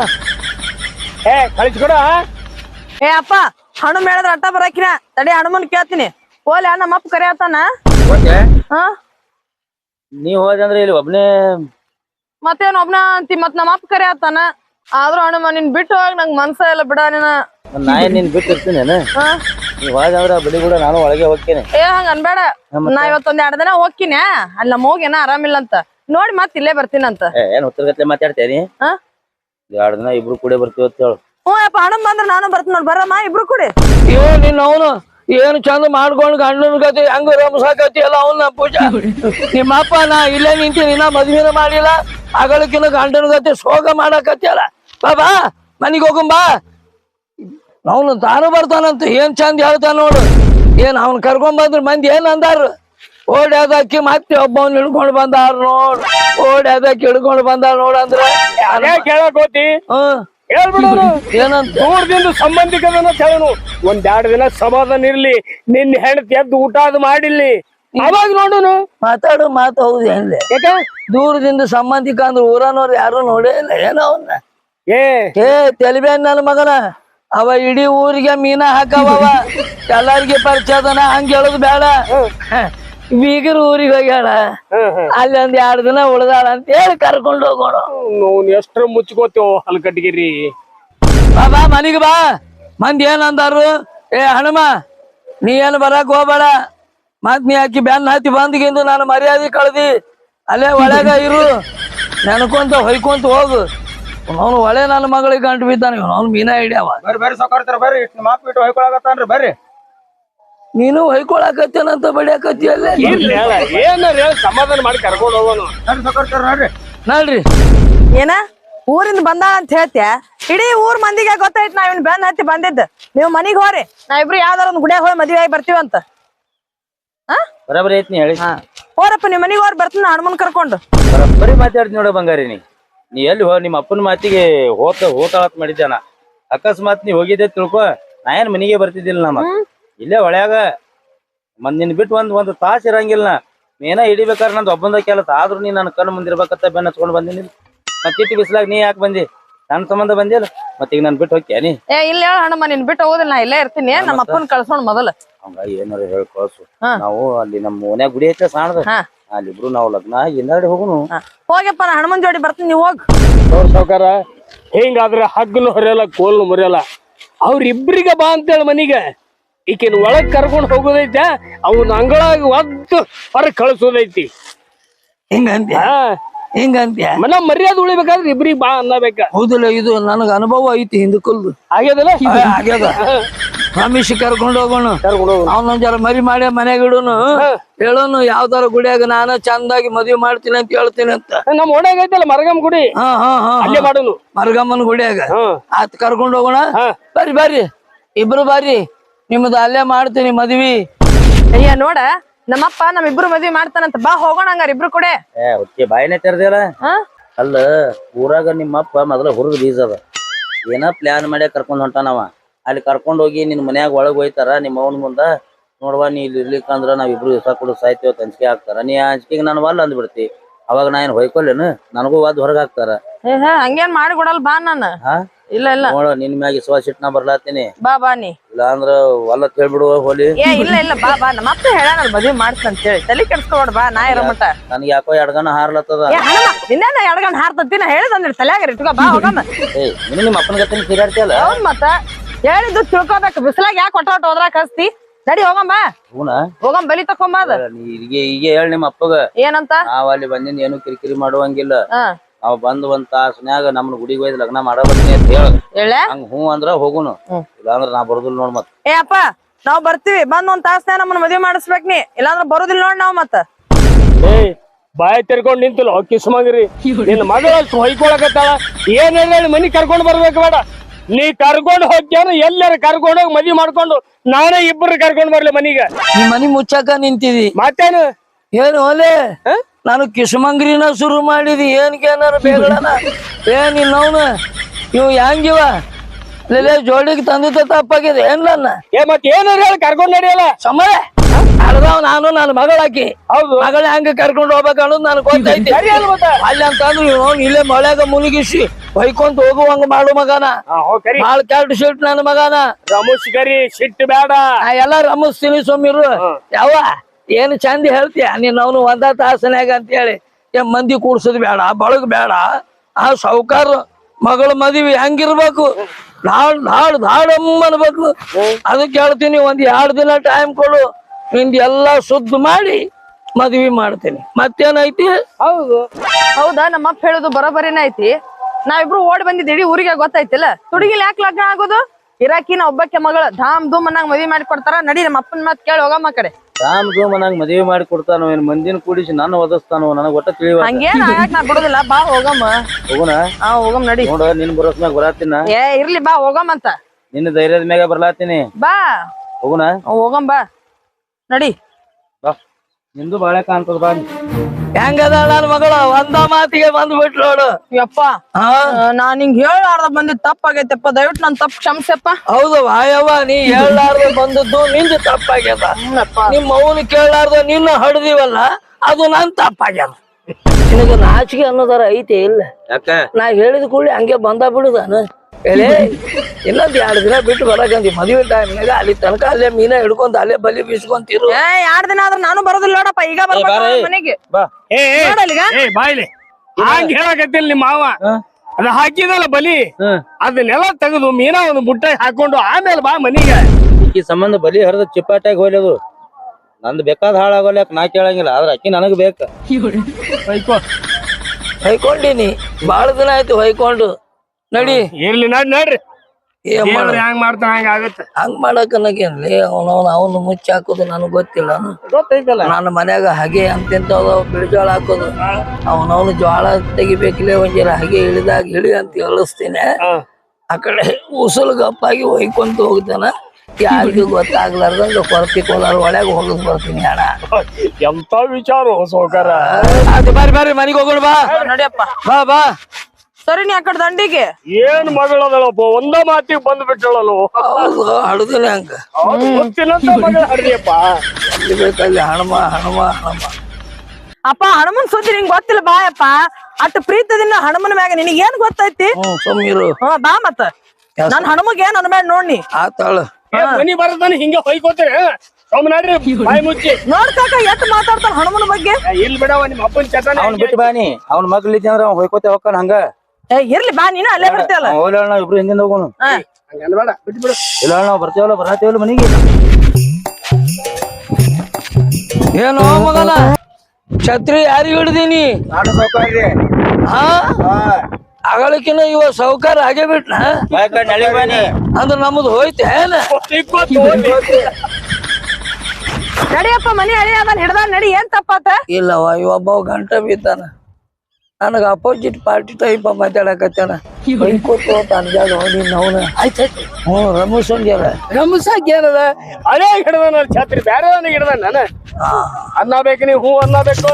[SPEAKER 3] ಏ ಕಳಿಸ್ಕೊಡ
[SPEAKER 1] ಏ ಅಪ್ಪ ಹಣ್ಣು ಮೇಳದ್ರ ಅಟ್ಟ ಬರಾಕಿನ ತಡಿ ಹನುಮನ್ ಕೇಳ್ತೀನಿ ಹೋಲೆ ನಮ್ಮ ಅಪ್ಪ ಕರೆಯತ್ತಾನ ಹಾ
[SPEAKER 2] ನೀವ್ ಹೋದಂದ್ರೆ ಇಲ್ಲಿ ಒಬ್ನೇ
[SPEAKER 1] ಮತ್ತೇನ್ ಒಬ್ನ ಅಂತಿ ಮತ್ ನಮ್ಮ ಅಪ್ಪ ಕರೆಯತ್ತಾನ ಆದ್ರೂ ಹನುಮ ನಿನ್ ಬಿಟ್ಟು ಹೋಗಿ ನಂಗ್ ಮನ್ಸ ಇಲ್ಲ ಬಿಡ
[SPEAKER 2] ನಾಯಿ ನಿನ್ ಬಿಟ್ಟಿರ್ತೀನಿ ನೀವ್ ಹೋದಂದ್ರ ಬಲಿ ಕೂಡ ನಾನು ಒಳಗೆ ಹೋಗ್ತೇನೆ
[SPEAKER 1] ಏ ಹಂಗ ಅನ್ಬೇಡ ನಾ ಇವತ್ತೊಂದ್ 2 ದಿನ ಹೋಗ್ತೀನಿ ಅಲ್ಲಿ ನಮ್ಮ ಹೋಗಿ ಏನೋ ಆರಾಮಿಲ್ಲ ಅಂತ ನೋಡಿ ಮತ್ ಇಲ್ಲೇ ಬರ್ತೀನಂತ
[SPEAKER 2] ಏನ್ ಉತ್ತರಗತ್ಲೆ ಮಾತಾಡ್ತೇನಿ 2 ದಿನ ಇಬ್ರು ಕೂಡ ಬರ್ತೀವಿ ಅಂತ ಹೇಳು
[SPEAKER 1] ಹ್ಞೂ ಅಪ್ಪ ಹಣಮ್ ಬಂದ್ರ ನಾನು ಬರ್ತೀನಿ ನೋಡಿ ಬರಮ್ಮ ಇಬ್ರು ಕೂಡಿ
[SPEAKER 4] ನಿನ್ನ ಅವನು ಏನು ಚಂದ ಮಾಡ್ಕೊಂಡು ಗಂಡನ ಗತಿ ಹೆಂಗ ರಮಸಾಕತಿ ಎಲ್ಲ ಅವನ್ನ ಪೂಜಾ ನಿಮ್ಮ ಅಪ್ಪ ನಾ ಇಲ್ಲೇ ನಿಂತೀನಿ ನಾ ಮದ್ವಿನ ಮಾಡಿಲ್ಲ ಅಗಳಕಿನ ಗಂಡನ ಗತಿ ಸೋಗ ಮಾಡಕತ್ತಿಯಲ್ಲ ಬಾ ಮನಿಗ್ ಹೋಗಂಬಾ ಅವನು ತಾನು ಬರ್ತಾನಂತ ಏನ್ ಚಂದ ಹೇಳ್ತಾನ ನೋಡು ಏನ್ ಅವ್ನ ಕರ್ಕೊಂಡ್ ಬಂದ್ರ ಮಂದಿ ಏನ್ ಅಂದಾರ ಓಡ್ಯಾದಕ್ಕಿ ಮತ್ತೆ ಒಬ್ಬವ್ನ ಹಿಡ್ಕೊಂಡ್ ಬಂದಾರ ನೋಡ್ ಓಡ್ಯಾದಕ್ಕಿ ಹಿಡ್ಕೊಂಡ್ ಬಂದಾರ ನೋಡಂದ್ರ
[SPEAKER 3] ಕೇಳಕ್ ಹೋತಿ ಹೇಳ್ಬಿಡೋನು
[SPEAKER 4] ಏನಂತ
[SPEAKER 3] ದೂರದಿಂದ ಸಂಬಂಧಿಕದನ್ನ ಹೇಳನು 1-2 ದಿನ ಸಮಾಧಾನ ಇರ್ಲಿ ನಿನ್ನ ಹೆಂಡತಿ ಎದ್ದು ಊಟ ಅದು ಮಾಡಿಲ್ಲಿ ಅವಾಗ ನೋಡುನು
[SPEAKER 4] ಮಾತಾಡು ಮಾತು ಹೌದು ಏನ್ಲೆ
[SPEAKER 3] ಯಾಕ
[SPEAKER 4] ದೂರದಿಂದ ಸಂಬಂಧಿಕ ಅಂದ್ರೆ ಊರನವ್ರು ಯಾರು ನೋಡೇ ಇಲ್ಲ ಏನೋ ಅವನ್ನ
[SPEAKER 3] ಏ
[SPEAKER 4] ತೆಲಿಬೇನ್ ನನ್ನ ಮಗನ ಅವ ಇಡೀ ಊರಿಗೆ ಮೀನ ಹಾಕವ ಎಲ್ಲಾರ್ಗಿ ಪರಿಚಯ ಅದನ ಹಂಗ ಹೇಳುದು ಬೇಡ ಬೀಗರ ಊರಿಗೆ ಹೋಗ್ಯಾಳ ಅಲ್ಲಿ 2 ದಿನ ಉಳ್ದಾಳ ಅಂತ ಹೇಳಿ ಕರ್ಕೊಂಡು ಹೋಗೋಣ
[SPEAKER 3] ಎಷ್ಟ್ರ ಮುಚ್ಕೋತೇವ ಹಲ್ಕಟ್ಟಿಗಿರಿ
[SPEAKER 4] ಬಾ ಮನಿಗೆ ಬಾ ಮಂದಿ ಏನಂದಾರು ಏ ಹನುಮ ನೀ ಏನು ಬರಕ್ ಹೋಗ್ಬೇಡ ಮತ್ ನೀ ಹಾಕಿ ಬೆನ್ನ ಹತ್ತಿ ಬಂದ್ಗಿಂದು ನಾನು ಮರ್ಯಾದೆ ಕಳ್ದಿ ಅಲ್ಲೇ ಒಳಗ ಇರು ನೆನ್ಕೊಂತ ಹೊಯ್ಕೊಂತ ಹೋಗು ಅವನು ಒಳ್ಳೆ ನನ್ನ ಮಗಳಿಗೆ ಗಂಟು ಬಿದ್ದಾನ ಅವ್ನು ಮೀನಾ ಹಿಡಿಯವ
[SPEAKER 2] ಬರ್ರಿ ಸಾವ್ಕಾರ್ತಾರ ಬರ್ರಿ ಮಾಪ್ ಬಿಟ್ಟು ಹೊಯ್ಕೊಳಕತ್ತಾನ್ರಿ ಬರ್ರಿ
[SPEAKER 4] ನೀನು ಹೊಯ್ಕೊಳಕತ್ತೇನಂತ ಬಡಿಯಾಕತ್ತಿಯಲ್ಲ
[SPEAKER 3] ಏನಾರ ಸಮಾಧಾನ ಮಾಡಿ ಕರ್ಕೊಂಡು ಹೋಗೋನು
[SPEAKER 2] ಸಾವ್ಕಾರ್ತಾರ ನೋಡ್ರಿ
[SPEAKER 4] ನೋಡ್ರಿ
[SPEAKER 1] ಏನ ಊರಿಂದ ಬಂದಾಳ ಅಂತ ಹೇಳ್ತ್ಯ ಇಡೀ ಊರ್ ಮಂದಿಗೆ ಗೊತ್ತಾಯ್ತು ನಾವ್ ಇವ್ನ ಬೆನ್ನ ಹತ್ತಿ ಬಂದಿದ್ದ ನೀವು ಮನಿಗ್ ಹೋರಿ ನಾವಿಬ್ರು ಯಾವ್ದಾರ ಒಂದ್ ಗುಡಿಯಾಗ ಹೋಗಿ ಮದ್ವೆ ಆಗಿ ಬರ್ತೀವಂತ
[SPEAKER 2] ಬರಾಬರಿ ಐತಿ ನೀ ಹೇಳಿ
[SPEAKER 1] ಹೋರಪ್ಪ ನಿಮ್ ಮನಿಗ್ ಹೋರ್ ಬರ್ತೀನಿ ಹನುಮನ್ ಕರ್ಕೊಂಡು
[SPEAKER 2] ಬರೀ ಮಾತಾಡ್ತಿ ನೋಡ ಬಂಗಾರಿ ನೀ ಎಲ್ಲಿ ನಿಮ್ಮ ಅಪ್ಪನ ಮಾತಿಗೆ ಹೋತಾಳತ್ ಮಾಡಿದ್ದಾನ ಅಕಸ್ಮಾತ್ ನೀ ಹೋಗಿದ್ದೆ ತಿಳ್ಕೊ ನಾ ಏನ್ ಮನಿಗೆ ಬರ್ತಿದ್ದಿಲ್ಲ ನಮ್ಮ ಇಲ್ಲೇ ಹೊಳ್ಯಾಗ ನಿನ್ ಬಿಟ್ಟು ಒಂದ್ ತಾಸು ಇರಂಗಿಲ್ಲ ಮೀನ ಹಿಡಿಬೇಕಾದ್ರೆ ನಂದು ಒಬ್ಬಂದ ಕೆಲಸ ಆದ್ರೂ ನೀ ನನ್ನ ಕಣ್ಣು ಮುಂದಿರ್ಬೇಕಂತ ಬೆನ್ನ ಹಚ್ಕೊಂಡು ಬಂದಿನಿ ಮತ್ತೆ ಇಟ್ಟು ಬಿಸ್ಲಾಗ ನೀ ಯಾಕೆ ಬಂದಿ ನನ್ನ ಸಂಬಂಧ ಬಂದಿಲ್ಲ ಮತ್ತೆ ಈಗ ನಾನು ಬಿಟ್ಟು ಹೋಗ್ಯಾ ನೀ
[SPEAKER 1] ಏ ಇಲ್ಲ ಹೇಳ ಹಣಮ್ಮ ನಿನ್ ಬಿಟ್ಟು ಹೋಗೋದಿಲ್ಲ ನಾ ಇಲ್ಲೇ ಇರ್ತೀನಿ ನಮ್ಮ ಅಪ್ಪನ ಕಳ್ಸೋಣ ಮೊದಲು
[SPEAKER 2] ಹಂಗ ಏನಾರ ಹೇಳಿ ಕಳ್ಸು ನಾವು ಅಲ್ಲಿ ನಮ್ಮ ಓನ್ಯಾಗ ಗುಡಿ ಐತೆ ಸಾಣದ ಅಲ್ಲಿಬ್ರು ನಾವು ಲಗ್ನ ಎಲ್ಲಾಡಿ ಹೋಗುನು
[SPEAKER 1] ಹೋಗ್ಯಪ್ಪ ನಾ ಹನುಮನ್ ಜೋಡಿ ಬರ್ತೀನಿ ನೀವು ಹೋಗ್
[SPEAKER 3] ನೋಡ್ ಸಾವ್ಕಾರ ಹಿಂಗಾದ್ರೆ ಹಗ್ಗನು ಹೊರೆಯಲ್ಲ ಕೋಲ್ನು ಮುರಿಯಲ್ಲ ಅವ್ರಿಬ್ರಿಗೆ ಬಾ ಅಂತೇಳಿ ಮನಿಗೆ ಈಕಿನ ಒಳಗ್ ಕರ್ಕೊಂಡ್ ಹೋಗೋದೈತೆ ಅವನ ಅಂಗಳಾಗ ಒದ್ದು ಹೊರಗ್ ಕಳ್ಸೋದೈತಿ
[SPEAKER 4] ಹಿಂಗಂತ್ಯ ಹಿಂಗಂತ್ಯ
[SPEAKER 3] ಮನ ಮರ್ಯಾದೆ ಉಳಿಬೇಕಾದ್ರೆ ಇಬ್ರಿಗೆ ಬಾ ಅನ್ನಬೇಕ
[SPEAKER 4] ಹೌದಿಲ್ಲ ಇದು ನನಗ ಅನುಭವ ಐತಿ ಹಿಂದಕ್ಕಲ್ದು
[SPEAKER 3] ಆಗ್ಯದಲ್ಲ
[SPEAKER 4] ಆಗ್ಯದ ರಮೇಶ್ ಕರ್ಕೊಂಡು ಹೋಗೋಣ ಅವ್ನೊಂದ್ ಜರ ಮರಿ ಮಾಡಿ ಮನೆಗೆ ಇಡೋನು ಹೇಳೋನು ಯಾವ್ದಾರ ಗುಡಿಯಾಗ ನಾನ ಚಂದಾಗಿ ಮದ್ವಿ ಮಾಡ್ತೀನಿ ಅಂತ ಹೇಳ್ತೀನಿ ಅಂತ
[SPEAKER 3] ನಮ್ ಓಣ್ಯಾಗ ಐತಲ್ಲ ಮರಗಮ್ ಗುಡಿ ಅಲ್ಲೇ ಮಾಡೋನು
[SPEAKER 4] ಮರಗಮ್ಮನ ಗುಡಿಯಾಗ ಆತ್ ಕರ್ಕೊಂಡ್ ಹೋಗೋಣ ಬರ್ರಿ ಬರ್ರಿ ಇಬ್ರು ಬರ್ರಿ ನಿಮ್ದು ಅಲ್ಲೇ ಮಾಡ್ತೀನಿ ಮದ್ವಿ
[SPEAKER 1] ಅಯ್ಯ ನೋಡ ನಮ್ಮಪ್ಪ ನಮ್ಮಿಬ್ರು ಮದ್ವಿ ಮಾಡ್ತಾನಂತ ಬಾ ಹೋಗೋಣ ಹಂಗಾರ ಇಬ್ರು ಕೂಡ
[SPEAKER 2] ಹೊಕ್ಕೆ ಬಾಯಿನೇ ತೆರ್ದಿಲ್ಲ ಅಲ್ಲ ಊರಾಗ ನಿಮ್ಮಪ್ಪ ಮೊದಲ ಹುರುಗ ಬೀಜ ಅದ ಏನ ಪ್ಲಾನ್ ಮಾಡ್ಯಾಗ ಕರ್ಕೊಂಡ್ ಹೊಂಟಾನವ ಅಲ್ಲಿ ಕರ್ಕೊಂಡ್ ಹೋಗಿ ನಿನ್ ಮನ್ಯಾಗ ಒಳಗ್ ಹೋಯ್ತಾರ ನಿಮ್ಮ ಅವನ ಮುಂದ ನೋಡ್ವಾ ನೀ ಇಲ್ಲಿ ಇರ್ಲಿಕ್ಕಂದ್ರ ನಾವಿಬ್ರು ದಿವಸ ಕೂಡ ಸಾಯ್ತೇವ ಅಂಜಿಕೆ ಹಾಕ್ತಾರ ನೀ ಅಂಜಿಕೆಗೆ ನಾನು ವಲ್ಲ ಅಂದ್ಬಿಡ್ತಿ ಅವಾಗ ನಾ ಏನ್ ಹೊಯ್ಕೊಲ್ಲೇನು ನನಗೂ ವಾದ್ ಹೊರಗ್ ಹಾಕ್ತಾರ
[SPEAKER 1] ಹಂಗೇನ್ ಮಾಡಿ ಕೊಡಲ್ ಬಾ ನಾನು ಇಲ್ಲ ಇಲ್ಲ
[SPEAKER 2] ನೋಡ ನಿನ್ ಮ್ಯಾಗ ವಿಶ್ವಾಸ ಇಟ್ಟು ನಾ ಬರ್ಲಾತೀನಿ
[SPEAKER 1] ಬಾ ಬಾ ನೀ
[SPEAKER 2] ಇಲ್ಲ ಅಂದ್ರ ವಲ್ಲ ಹೇಳ್ಬಿಡುವ ಹೋಲಿ
[SPEAKER 1] ಏ ಇಲ್ಲ ಇಲ್ಲ ಬಾ ಬಾ ನಮ್ಮಪ್ಪ ಹೇಳ ಮದ್ವಿ ಮಾಡ್ತಾನ ಅಂತ ಹೇಳಿ ತಲೆ ಕೆಡ್ಸ್ಕೊಬೇಡ ಬಾ ನಾ ಇರೋ ಮಟ
[SPEAKER 2] ನನ್ಗೆ ಯಾಕೋ ಎಡ್ಗನ ಹಾರ್ಲತ್ತದ
[SPEAKER 1] ನಿನ್ನ ಎಡಗಣ್ಣ ಹಾರ್ತತಿ ನಾ ಹೇಳಿದಂದ್ರೆ ತಲೆಯಾಗ ಇಟ್ಕೋ ಬಾ ಹೋಗಮ್ಮ
[SPEAKER 2] ಏಯ್ ನೀನು ನಿಮ್ಮ ಅಪ್ಪನ ಗತಿ ತಿರ್ಗಾಡ್ತಿಯಲ್ಲ
[SPEAKER 1] ಹೌದ್ ಮತ್ತ ಹೇಳಿದ್ದು ತಿಳ್ಕೊಬೇಕು ಬಿಸಿಲಾಗ ಯಾಕೆ ಹೊಟ್ಟ ಹೋದ್ರಾಕ ಹಸ್ತಿ ನಡಿ ಹೋಗಮ್ಮ ಹೋಗಮ್ ಬಲಿ ತಕೊಂಬ ಅದ
[SPEAKER 2] ಈಗ ಹೇಳಿ ನಿಮ್ಮ ಅಪ್ಪಗ
[SPEAKER 1] ಏನಂತ
[SPEAKER 2] ನಾವ್ ಅಲ್ಲಿ ಬಂದಿನ ಏನು ಕಿರಿಕಿರಿ ಮಾಡುವಂಗಿಲ್ಲ ನಾವ್ ಬಂದ್ ಒಂದ್ ತಾಸನ್ಯಾಗ ನಮ್ನ ಗುಡಿಗೆ ಒಯ್ದು ಲಗ್ನ ಮಾಡಬರ್ತೀನಿ ಅಂತ ಹೇಳ ಹಂಗ ಹೂ ಅಂದ್ರ ಹೋಗುನು ಇಲ್ಲಾಂದ್ರ ನಾ ಬರುದಿಲ್ಲ ನೋಡ್ ಮತ್
[SPEAKER 1] ಏ ಅಪ್ಪ ನಾವ್ ಬರ್ತೀವಿ ಬಂದ್ ಒಂದ್ ತಾಸನ್ಯಾಗ ನಮ್ಮನ್ನ ಮದ್ವಿ ಮಾಡಿಸ್ಬೇಕ್ ನೀ ಇಲ್ಲಾಂದ್ರ ಬರುದಿಲ್ಲ ನೋಡ್ ನಾವ್ ಮತ್ತ
[SPEAKER 3] ಏಯ್ ಬಾಯಿ ತೆರ್ಕೊಂಡ್ ನಿಂತಿಲ್ಲ ಕಿಸ್ಮಂಗ್ರಿ ನಿನ್ನ ಮಗಳ ಹೊಯ್ಕೊಳಕತ್ತಾಳ ಏನ್ ಹೇಳಿ ಮನಿ ಕರ್ಕೊಂಡ್ ಬರ್ಬೇಕು ಬೇಡ ನೀ ಕರ್ಕೊಂಡ್ ಹೋಗ್ಯಾನ ಎಲ್ಲಾರ ಕರ್ಕೊಂಡ್ ಹೋಗಿ ಮದ್ವಿ ಮಾಡ್ಕೊಂಡು ನಾನೇ ಇಬ್ಬರು ಕರ್ಕೊಂಡ್ ಬರ್ಲಿ ಮನಿಗ
[SPEAKER 4] ನೀ ಮನಿ ಮುಚ್ಚಾಕ ನಿಂತಿದಿ
[SPEAKER 3] ಮತ್ತೇನು
[SPEAKER 4] ಏನು ಒಲೆ ನಾನು ಕಿಸ್ಮಂಗ್ರಿನ ಶುರು ಮಾಡಿದಿ ಏನ್ಕೇನಾರ ಬೇಗಳನ ಏನ್ ಇನ್ನವನು ಇವ್ ಹೆಂಗಿವ ಲೇ ಜೋಡಿಗೆ ತಂದಿದ್ದ ತಪ್ಪಾಗಿದೆ ಏನ್ ನನ್ನ
[SPEAKER 3] ಮತ್ ಏನಾರ ಹೇಳಿ ಕರ್ಕೊಂಡ್ ನಡಿಯಲ್ಲ
[SPEAKER 4] ಸಮಯ ಅಳದಾವ್ ನಾನು ನನ್ನ ಮಗಳಾಕಿ
[SPEAKER 3] ಹೌದು
[SPEAKER 4] ಮಗಳ ಹೆಂಗ ಕರ್ಕೊಂಡ್ ಹೋಗ್ಬೇಕು ಅನ್ನೋದು ನನ್ ಗೊತ್ತೈತಿ ಅಲ್ಲಿ ಅಂತಂದ್ರು ಇವ್ನು ಇಲ್ಲೇ ಮಳೆಗ ಮುಳುಗಿಸಿ ಹೊಯ್ಕೊಂತ ಹೋಗುವಂಗ ಮಾಡು ಮಗನ ಬಾಳ್ ಕೆಲ್ಟ ಸಿಟ್ ನನ್ನ ಮಗನ
[SPEAKER 3] ರಮುಸ್ಕರಿ ಸಿಟ್ಟು ಬೇಡ
[SPEAKER 4] ನಾ ಎಲ್ಲಾ ರಮಿಸ್ತೀನಿ ಸೊಮ್ಮಿರು ಯಾವ ಏನ್ ಚಂದ ಹೇಳ್ತೀಯ ನೀನ್ ಅವನು ಒಂದ ತಾಸನ್ಯಾಗ ಅಂತ ಹೇಳಿ ಮಂದಿ ಕೂಡ್ಸೋದ್ ಬೇಡ ಬಳಗ್ ಬೇಡ ಆ ಸಾವ್ಕಾರ ಮಗಳ ಮದ್ವಿ ಹೆಂಗಿರ್ಬೇಕು ಧಾಡಮ್ಮ ಅನ್ಬೇಕು ಅದಕ್ಕೆ ಹೇಳ್ತೀನಿ ಒಂದ್ 2 ದಿನ ಟೈಮ್ ಕೊಡು ನಿಂದ ಎಲ್ಲಾ ಶುದ್ಧ ಮಾಡಿ ಮದ್ವಿ ಮಾಡ್ತೀನಿ ಮತ್ತೇನೈತಿ
[SPEAKER 3] ಹೌದು
[SPEAKER 1] ಹೌದಾ ನಮ್ಮಪ್ಪ ಹೇಳುದು ಬರೋಬರಿನ ಐತಿ ನಾವಿಬ್ರು ಓಡಿ ಬಂದಿದ್ದು ಇಡೀ ಊರಿಗೆ ಗೊತ್ತೈತಿಲ್ಲ ತುಡುಗಿಲ್ ಯಾಕೆ ಲಗ್ನ ಆಗೋದು ಇರಾಕಿನ ಒಬ್ಬಕ್ಕೆ ಮಗಳ ಧಾಮ್ ಧೂಮ್ ಅನ್ನಂಗ್ ಮದ್ವಿ ಮಾಡಿ ಕೊಡ್ತಾರ ನಡಿ ನಮ್ಮ ಅಪ್ಪನ ಮಾತ್ ಕೇಳಿ ಹೋಗಮ್ಮ ಕಡೆ
[SPEAKER 2] ರಾಮ್ ಧೂಮ್ ನಂಗ್ ಮದ್ವಿ ಮಾಡಿ ಕೊಡ್ತಾನೋ ಏನ್ ಮಂದಿನ ಕೂಡಿಸಿ ನಾನು ಒದಸ್ತಾನೋ ನನಗ್ ಒಟ್ಟ ತಿಳಿವ
[SPEAKER 1] ಹಂಗೇನ್ ಆಗಾಕ್ ನಾ ಬಿಡುದಿಲ್ಲ ಬಾ ಹೋಗಮ್ಮ
[SPEAKER 2] ಹೋಗುನ
[SPEAKER 1] ಹೋಗಮ್ ನಡಿ
[SPEAKER 2] ನೋಡ ನಿನ್ ಬರೋಸ್ ಮ್ಯಾಗ ಬರಾತಿನ
[SPEAKER 1] ಏ ಇರ್ಲಿ ಬಾ ಹೋಗಮ್ಮಂತ
[SPEAKER 2] ನಿನ್ನ ಧೈರ್ಯದ ಮ್ಯಾಗ ಬರ್ಲಾತೀನಿ
[SPEAKER 1] ಬಾ
[SPEAKER 2] ಹೋಗುನ
[SPEAKER 1] ಹೋಗಮ್ ಬಾ ನಡಿ
[SPEAKER 2] ಬಾ ನಿಂದು ಬಾಳೆ ಕಾಣ್ತದ ಬಾ
[SPEAKER 4] ಹೆಂಗದ ನನ್ನ ಮಗಳ ಒಂದ ಮಾತಿಗೆ ಬಂದ್ಬಿಟ್ರು ನೋಡು
[SPEAKER 1] ಯಪ್ಪ ನಾನ್ ಹಿಂಗ್ ಹೇಳಾರ್ದ ಬಂದಿದ್ ತಪ್ಪಾಗೈತಪ್ಪ ದಯವಿಟ್ಟು ನನ್ ತಪ್ಪು ಕ್ಷಮಿಸಪ್ಪ
[SPEAKER 4] ಹೌದು ವಾಯವ್ವ ನೀ ಹೇಳಾರ್ದ ಬಂದದ್ದು ನಿಂದು ತಪ್ಪಾಗ್ಯದ ನಿಮ್ಮ ಅವನು ಕೇಳಾರ್ದ ನಿನ್ನ ಹಡ್ದಿವಲ್ಲ ಅದು ನನ್ ತಪ್ಪಾಗ್ಯದ ನಿನಗ ನಾಚಿಕೆ ಅನ್ನೋದಾರ ಐತೆ ಇಲ್ಲ
[SPEAKER 2] ಯಾಕ
[SPEAKER 4] ನಾ ಹೇಳಿದ ಕೂಡಲೇ ಹಂಗೆ ಬಂದ ಬಿಡುದಾನ ಹೇಳಿ ಇನ್ನೊಂದ್ 2 ದಿನ ಬಿಟ್ಟು ಬರಕಂದಿ ಮದುವೆ ಟೈಮ್ನಾಗ ಅಲ್ಲಿ ತನಕ ಅಲ್ಲೇ ಮೀನ ಹಿಡ್ಕೊಂತ ಅಲ್ಲೇ ಬಲಿ ಬೀಸ್ಕೊಂತಿರು
[SPEAKER 1] 2 ದಿನ ಆದ್ರೆ ನಾನು ಬರೋದಿಲ್ಲ ನೋಡಪ್ಪ ಈಗ ಮನೆಗೆ
[SPEAKER 3] ಬಾಯ್ಲಿ ಹಂಗ ಹೇಳಕತ್ತಿಲ್ಲ ನಿಮ್ಮ ಮಾವ ಅದ ಹಾಕಿದಲ್ಲ ಬಲಿ ಅದನ್ನೆಲ್ಲ ತೆಗೆದು ಮೀನ ಒಂದು ಬುಟ್ಟ ಹಾಕೊಂಡು ಆಮೇಲೆ ಬಾ ಮನಿಗೆ
[SPEAKER 2] ಈ ಸಂಬಂಧ ಬಲಿ ಹರಿದ ಚಿಪ್ಪಾಟಾಗಿ ಹೋಗ್ಲದು ನಂದು ಬೇಕಾದ ಹಾಳಾಗೋಲ್ಯಾಕ ನಾ ಕೇಳಂಗಿಲ್ಲ ಆದ್ರ ಅಕ್ಕಿ ನನಗ್ ಬೇಕ
[SPEAKER 4] ಹೊಯ್ಕೊಂಡಿನಿ ಬಾಳ ದಿನ ಆಯ್ತು ಹೊಯ್ಕೊಂಡು ನಡಿ
[SPEAKER 3] ಇರ್ಲಿ ನೋಡ್ರಿ
[SPEAKER 4] ಹೆಂಗ್
[SPEAKER 3] ಮಾಡ್ತಾನ ಹಂಗ ಆಗತ್ತ
[SPEAKER 4] ಹಂಗ್ ಮಾಡಕನ್ನಕೇನ್ಲಿ ಅವನು ಮುಚ್ಚಿ ಹಾಕೋದು ನನಗ್ ಗೊತ್ತಿಲ್ಲ
[SPEAKER 3] ಗೊತ್ತೈತಲ್ಲ
[SPEAKER 4] ನನ್ನ ಮನ್ಯಾಗ ಹಾಗೆ ಅಂತಿಂತದ ಬಿಳಿಜೋಳ ಹಾಕೋದು ಅವನವನು ಜೋಳ ತೆಗಿಬೇಕಿಲ್ಲ ಒಂದಿನ ಹಾಗೆ ಇಳಿದಾಗ ಇಳಿ ಅಂತ ಹೇಳಿಸ್ತೀನಿ ಆ ಕಡೆ ಉಸುಲ್ ಗಪ್ಪಾಗಿ ಹೊಯ್ಕೊಂತ ಹೋಗ್ತಾನ ಯಾರಿಗೂ ಗೊತ್ತಾಗ್ಲಾರ್ದಂಗ ಕೊರತಿ ಕೋಲಾರ ಒಳಗೆ ಹೋಗದ್ ಬರ್ತೀನಿ ಅಣ್ಣ
[SPEAKER 3] ಎಂತ ವಿಚಾರ ಸೌಕರ
[SPEAKER 4] ಬರ್ರಿ ಮನೆಗೆ ಹೋಗೋಣ ಬಾ
[SPEAKER 1] ನಡಿಯಪ್ಪ
[SPEAKER 4] ಬಾ ಬಾ
[SPEAKER 1] ಸರಿ ನೀ ಆ ಕಡೆ ದಂಡಿಗೆ
[SPEAKER 3] ಏನ್ ಮಗಳದಳಪ್ಪ ಒಂದ ಮಾತಿಗೆ ಬಂದ್ ಬಿಟ್ಟಳಲ್ಲ
[SPEAKER 4] ಹೌದು ಹಡ್ದಿನ ಹಂಗ
[SPEAKER 3] ಗೊತ್ತಿಲ್ಲಂತ ಮಗಳ ಹರಿಯಪ್ಪ
[SPEAKER 4] ಅಲ್ಲಿ ಬೇಕಲ್ಲಿ ಹಣಮ ಹಣಮ ಹಣಮ
[SPEAKER 1] ಅಪ್ಪ ಹನುಮನ್ ಸುದ್ದಿ ನಿಂಗ್ ಗೊತ್ತಿಲ್ಲ ಬಾಯಪ್ಪ ಅಟ್ ಪ್ರೀತದಿಂದ ಹನುಮನ ಮ್ಯಾಗ ನಿನಗ್ ಏನ್ ಗೊತ್ತೈತಿ
[SPEAKER 4] ಸುಮ್ಮಿರು
[SPEAKER 1] ಬಾ ಮತ್ತ ನನ್ ಹನುಮಗ್ ಏನ್ ಅನ್ಬೇಡ ನೋಡ್ನಿ
[SPEAKER 4] ಆತಾಳ
[SPEAKER 3] ಮನಿ ಬರತಾನ ಹಿಂಗ ಹೊಯ್ಕೋತೀರಿ ಸೋಮನಾಡ್ರಿ ಬಾಯಿ ಮುಚ್ಚಿ
[SPEAKER 1] ನೋಡ್ಕಾಕ ಎಷ್ಟ್ ಮಾತಾಡ್ತಾನ ಹನುಮನ ಬಗ್ಗೆ
[SPEAKER 3] ಇಲ್ ಬಿಡವ ನಿಮ್ಮ ಅಪ್ಪನ ಚಟನ
[SPEAKER 2] ಅವ್ನ್ ಬಿಟ್ಟು ಬಾನಿ ಅವ್ನ ಮಗ್ಲಿದ್ದ ಅಂದ್ರ ಅವ್ನ್ ಹೊಯ್ಕೋತೆ ಹೋಗ್ತಾನ ಹಂಗ
[SPEAKER 1] ಇರ್ಲಿ ಬಾ ನೀನು ಅಲ್ಲೇ ಬಿಡ್ತೀಯಲ್ಲ
[SPEAKER 2] ಹೋಗ್ಲ ನಾವ್ ಇಬ್ರು ಹಿಂದಿಂದ ಹೋಗೋಣ
[SPEAKER 3] ಹಂಗ ಅನ್ಬೇಡ ಬಿಟ್ಟು ಬಿಡು
[SPEAKER 2] ಇಲ್ಲ ನಾವ್ ಬರ್ತೇವಲ್ಲ ಬರತೇವಲ್ಲ ಮನಿಗೆ
[SPEAKER 4] ಏನೋ ಮಗನ ಛತ್ರಿ ಯಾರಿಗೆ ಹಿಡ್ದೀನಿ
[SPEAKER 2] ನಾನು ಸೌಕಾರ್ರಿ
[SPEAKER 4] ಹಾ ಅಗಳಕಿನ ಇವ ಸೌಕಾರ ಆಗೇ ಬಿಟ್ನ
[SPEAKER 2] ನಳಿ ಬಾನಿ
[SPEAKER 4] ಅಂದ್ರ ನಮ್ದು ಹೋಯ್ತ ಏನ
[SPEAKER 1] ನಡಿಯಪ್ಪ ಮನಿ ಹಳಿ ಅದನ್ನ ಹಿಡ್ದ ನಡಿ ಏನ್ ತಪ್ಪಾತ
[SPEAKER 4] ಇಲ್ಲವ ಇವೊಬ್ಬ ಗಂಟ ಬಿದ್ದಾನ ನನಗ ಅಪೋಸಿಟ್ ಪಾರ್ಟಿ ಟೈಪ್ ಮಾತಾಡಕತ್ತಾನ ಅನ್ಜಾಗ ನೀನ್ ಅವನ ರಮೇಶ್ ಒಂದ್ಯಾರ
[SPEAKER 3] ರಮಸಾಕ್ ಏನದ ಅದೇ ಹಿಡ್ದ ಛತ್ರಿ ಬ್ಯಾರೆ ಹಿಡ್ದ ನಾನು ಅನ್ನಬೇಕು ನೀವು ಹೂ ಅನ್ನಬೇಕು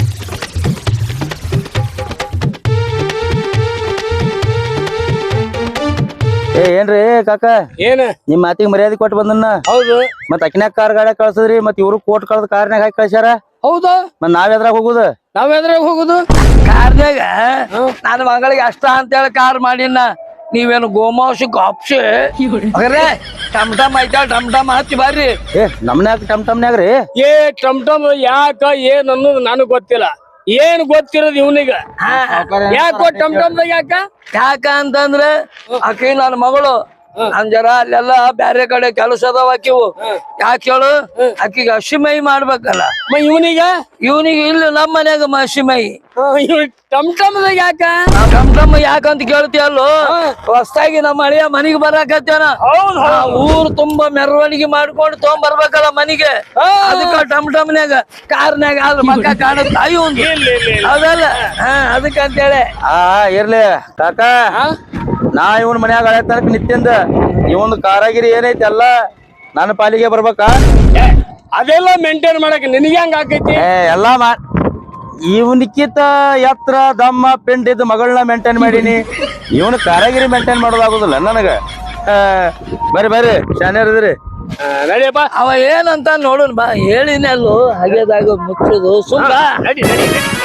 [SPEAKER 2] ಏನ್ರಿ ಕಾಕ
[SPEAKER 3] ಏನ
[SPEAKER 2] ನಿಮ್ ಮಾತಿಗೆ ಮರ್ಯಾದೆ ಕೊಟ್ಟು ಬಂದನ್ನ
[SPEAKER 3] ಹೌದು
[SPEAKER 2] ಮತ್ ಅಕ್ನ್ಯಾಗ ಕಾರ್ ಗಾಡ್ಯಾಗ ಕಳ್ಸದ್ರಿ ಮತ್ ಇವ್ರು ಕೋಟ್ ಕಳ್ದ ಕಾರ್ನ್ಯಾಗ ಹಾಕಿ ಕಳ್ಸ್ಯಾರ
[SPEAKER 3] ಹೌದಾ
[SPEAKER 2] ಮತ್ ನಾವ್ ಎದ್ರಾಗ ಹೋಗುದ
[SPEAKER 3] ನಾವ್ ಎದ್ರಾಗ ಹೋಗುದು
[SPEAKER 4] ಕಾರ್ನ್ಯಾಗ ನನ್ನ ಮಗಳಿಗೆ ಅಷ್ಟ ಅಂತೇಳಿ ಕಾರ್ ಮಾಡಿನ ನೀವೇನು ಗೋಮಾಂಸ ಗಾಪ್ಸಿ ಅಗ್ರೆ ಟಮ್ ಟಮ್ ಐತಾಳ ಟಮ್ ಟಮ್ ಹಚ್ಚಿ ಬರ್ರಿ
[SPEAKER 2] ನಮ್ನ್ಯಾಗ ಟಮ್ ಟಮ್ನ್ಯಾಗ್ರಿ
[SPEAKER 3] ಏ ಟಮ್ ಟಮ್ ಯಾಕ ಏನ್ ಅನ್ನೋದು ನನಗ್ ಗೊತ್ತಿಲ್ಲ ಏನ್ ಗೊತ್ತಿರೋದು ಇವನಿಗ ಯಾಕೋ ಟಮ್ ಟಮ್ದಾಗ
[SPEAKER 4] ಯಾಕ ಅಂತಂದ್ರ ಆಕಿ ನನ್ನ ಮಗಳು ನನ್ ಜರ ಅಲ್ಲೆಲ್ಲ ಬ್ಯಾರೆ ಕಡೆ ಕೆಲಸ ಅದಾವ ಆಕಿವು ಯಾಕೆ ಹೇಳು ಆಕಿಗೆ ಹಸಿಮೈ ಮಾಡ್ಬೇಕಲ್ಲ ಇವನಿಗೆ ಇಲ್ಲ ನಮ್ಮ ಮನ್ಯಾಗ ಹಸಿಮೈ
[SPEAKER 3] ಟಮ್ ಟಮ್ದಾಗ ಯಾಕ
[SPEAKER 4] ಟಮ್ ಟಮ್ ಯಾಕಂತ ಕೇಳ್ತೀಯಲ್ಲೋ ಹೊಸ್ತಾಗಿ ನಮ್ಮ ಹಳಿಯ ಮನಿಗೆ ಬರಾಕತ್ತೇನ ಊರ್ ತುಂಬಾ ಮೆರವಣಿಗೆ ಮಾಡ್ಕೊಂಡು ತಗೊಂಬರ್ಬೇಕಲ್ಲ ಮನಿಗೆ ಅದಕ್ಕ ಟಮ್ ಟಮ್ನ್ಯಾಗ ಕಾರ್ನ್ಯಾಗ ಅದ್ರ ಮಕ್ಕ ಕಾಣುತ್ತ ಹೌದಲ್ಲ ಅದಕ್ಕಂತೇಳಿ
[SPEAKER 2] ಇರ್ಲಿ ಕಾಕ ನಾ ಇವನ್ ಮನ್ಯಾಗ ಹಳೆ ತನಕ ನಿತ್ಯಂದ ಇವನ್ ಕಾರಾಗಿರಿ ಏನೈತಿ ಎಲ್ಲ ನನ್ನ ಪಾಲಿಗೆ ಬರ್ಬೇಕಾ
[SPEAKER 3] ಅದೆಲ್ಲ ಮೇಂಟೈನ್ ಮಾಡಕ್ ನಿನಗೆ ಹೆಂಗ ಆಕೈತಿ
[SPEAKER 2] ಎಲ್ಲಾ ಇವನ್ಕಿಂತ ಎತ್ರ ದಮ್ಮ ಪಿಂಡ್ ಇದ್ದ ಮಗಳನ್ನ ಮೇಂಟೈನ್ ಮಾಡೀನಿ ಇವನ್ ಕಾರಾಗಿರಿ ಮೇಂಟೈನ್ ಮಾಡೋದಾಗುದಿಲ್ಲ ನನಗ ಬರ್ರಿ ಬರ್ರಿ ಶಾನ್ಯಾರದ್ರಿ
[SPEAKER 3] ನಡಿಯಪ್ಪ
[SPEAKER 4] ಅವ ಏನಂತ ನೋಡೋಣ ಬಾ ಹೇಳಿನಲ್ಲೋ ಹಾಗೆದಾಗ ಮುಚ್ಚೋದು ಸುಮ್ಮ
[SPEAKER 3] ನಡಿ